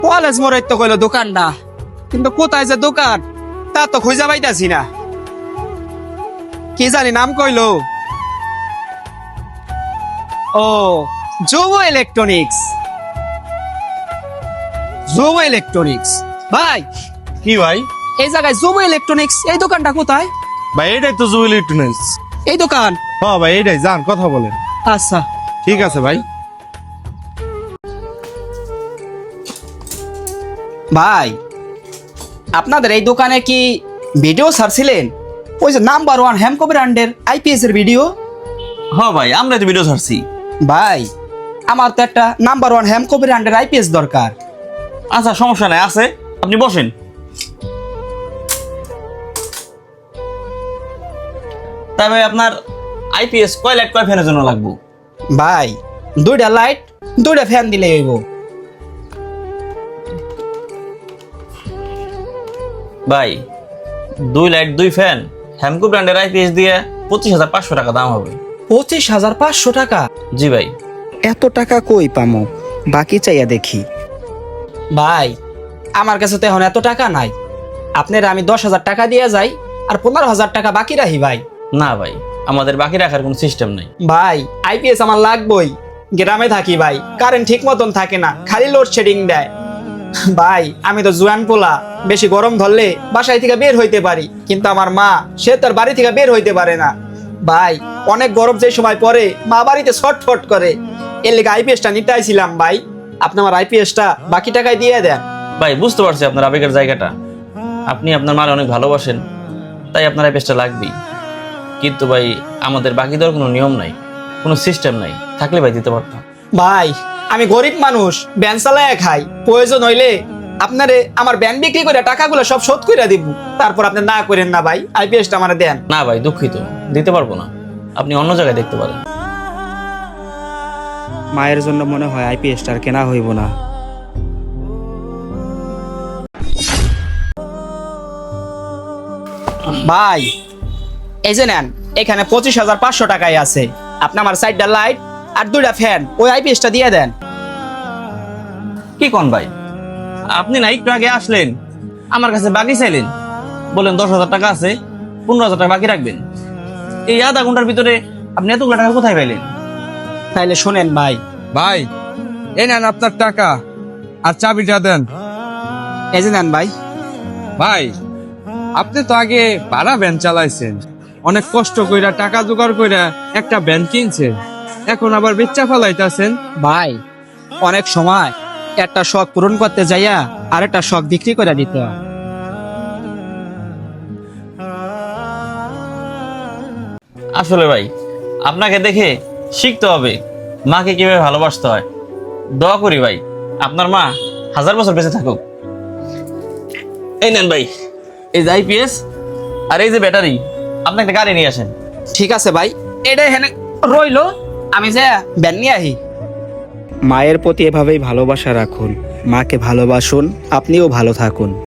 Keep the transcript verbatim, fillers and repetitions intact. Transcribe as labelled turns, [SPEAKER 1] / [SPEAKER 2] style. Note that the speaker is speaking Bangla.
[SPEAKER 1] কলেজ মোড়ের তো কইলো দোকানটা, কিন্তু কোথায় যে দোকান তা তো খুঁজে পাইতাছি না। কি জানি নাম কইলো, ও যুব ইলেকট্রনিক্স। যুব ইলেকট্রনিক্স ভাই,
[SPEAKER 2] কি ভাই?
[SPEAKER 1] এই জায়গায় যুব ইলেকট্রনিক্স, এই দোকানটা কোথায়?
[SPEAKER 2] ভাই এটাই তো জুয়েল ইলেকট্রনিক্স।
[SPEAKER 1] এই দোকান?
[SPEAKER 2] হ্যাঁ ভাই এটাই, যান কথা বলেন।
[SPEAKER 1] আচ্ছা
[SPEAKER 2] ঠিক আছে ভাই।
[SPEAKER 1] ভাই, আপনাদের এই দোকানে কি ভিডিও ছাড়ছিলেন? ওই যে নাম্বার ওয়ান হ্যামকো ব্র্যান্ডের আইপিএস এর ভিডিও।
[SPEAKER 3] হ্যাঁ ভাই, আমরা তো ভিডিও ছাড়ছি।
[SPEAKER 1] ভাই আমার তো একটা নাম্বার ওয়ান হ্যামকো ব্র্যান্ডের আইপিএস দরকার।
[SPEAKER 3] আচ্ছা সমস্যা নাই, আছে, আপনি বসেন। তাই ভাই আপনার আইপিএস কয় লাইট কয় ফ্যানের জন্য লাগবে?
[SPEAKER 1] ভাই দুইটা লাইট দুইটা ফ্যান দিলে হইব।
[SPEAKER 3] ভাই দুই লাইট দুই ফ্যান হ্যামকো ব্র্যান্ডের আইপিএস দিয়ে পঁচিশ হাজার পাঁচশো টাকা দাম হবে।
[SPEAKER 1] পঁচিশ হাজার পাঁচশো টাকা?
[SPEAKER 3] জি ভাই।
[SPEAKER 1] এত টাকা কই পামো? বাকি চাইয়া দেখি। ভাই আমার কাছে তো এখন এত টাকা নাই, আপনার আমি দশ হাজার টাকা দিয়ে যাই আর পনেরো হাজার টাকা বাকি রাখি। ভাই
[SPEAKER 3] না ভাই, আমাদের বাকি রাখার কোনো সিস্টেম নাই।
[SPEAKER 1] ভাই আইপিএস আমার লাগবই, গ্রামে থাকি ভাই, কারেন্ট ঠিক মতন থাকে না, খালি লোডশেডিং দেয়। ভাই আমি তো জুয়ান পোলা, বেশি গরম ধরলে বাসায় থেকে বের হইতে পারি, কিন্তু আমার মা সে তার বাড়ি থেকে বের হইতে পারে না। ভাই অনেক গরম যে সময় পরে মা বাড়িতে ছটফট করে, এর লেগে আইপিএসটা নিতে আইছিলাম। ভাই আপনি আমার আইপিএসটা বাকি টাকায় দিয়ে দেন।
[SPEAKER 3] ভাই বুঝতে পারছি আপনার আবেগের জায়গাটা, আপনি আপনার মার অনেক ভালোবাসেন, তাই আপনার আইপিএসটা লাগবেই। কিন্তু ভাই আমাদের বাকি দেওয়ার কোনো নিয়ম নাই, কোনো সিস্টেম নাই, থাকলে ভাই দিতে পারতাম।
[SPEAKER 1] ভাই আমি গরিব মানুষ, ব্যান চালায় খাই, প্রয়োজন হইলে আপনারে আমার ব্যান বিক্রি করে টাকাগুলো সব শোধ করে দিব, তারপর আপনি না করেন না ভাই, আইপিএসটা আমার দেন।
[SPEAKER 3] না ভাই দুঃখিত, দিতে পারবো না, আপনি অন্য জায়গায় দেখতে পারেন।
[SPEAKER 1] মায়ের জন্য মনে হয় আইপিএসটা আর কেনা হইব না। ভাই এই যে নেন, এখানে পঁচিশ হাজার পাঁচশো টাকায় আছে, আপনি আমার সাইডটা লাইট আর দুইটা ফ্যান ওই আইপিএসটা দিয়ে দেন।
[SPEAKER 3] কি কোন ভাই, আপনি না একটু আগে আসলেন, আমার কাছে বাকি চাইলেন, বলেন দশ হাজার টাকা আছে, পনেরো হাজার টাকা বাকি রাখবেন। এই আধা ঘন্টার ভিতরে আপনি এতগুলো টাকা কোথায় পাইলেন?
[SPEAKER 1] তাইলে শোনেন ভাই।
[SPEAKER 4] ভাই এই নেন আপনার টাকা আর চাবিটা দেন।
[SPEAKER 1] এই যে নেন ভাই।
[SPEAKER 4] ভাই আপনি তো আগে ভাড়া ভ্যান চালাইছেন, অনেক কষ্ট কইরা টাকা জোগাড় কইরা একটা ভ্যান কিনছেন, এখন আবার বেচা ফেলাইতাছেন।
[SPEAKER 1] ভাই অনেক সময় একটা শখ পূরণ করতে যাইয়া আর একটা শখ বিক্রি করে দিতে হয়।
[SPEAKER 3] আসলে ভাই আপনাকে দেখে শিখতে হবে মাকে কিভাবে ভালোবাসতে হয়। দোয়া করি ভাই আপনার মা হাজার বছর বেঁচে থাকুক। এই নেন ভাই, এই যে আইপিএস আর এই যে ব্যাটারি, আপনি একটা গাড়ি নিয়ে আসেন।
[SPEAKER 1] ঠিক আছে ভাই, এটা এখানে রইলো, আমি যা ব্যান নিয়ে আহি। মায়ের প্রতি এভাবেই ভালোবাসা রাখুন, মাকে ভালোবাসুন, আপনিও ভালো থাকুন।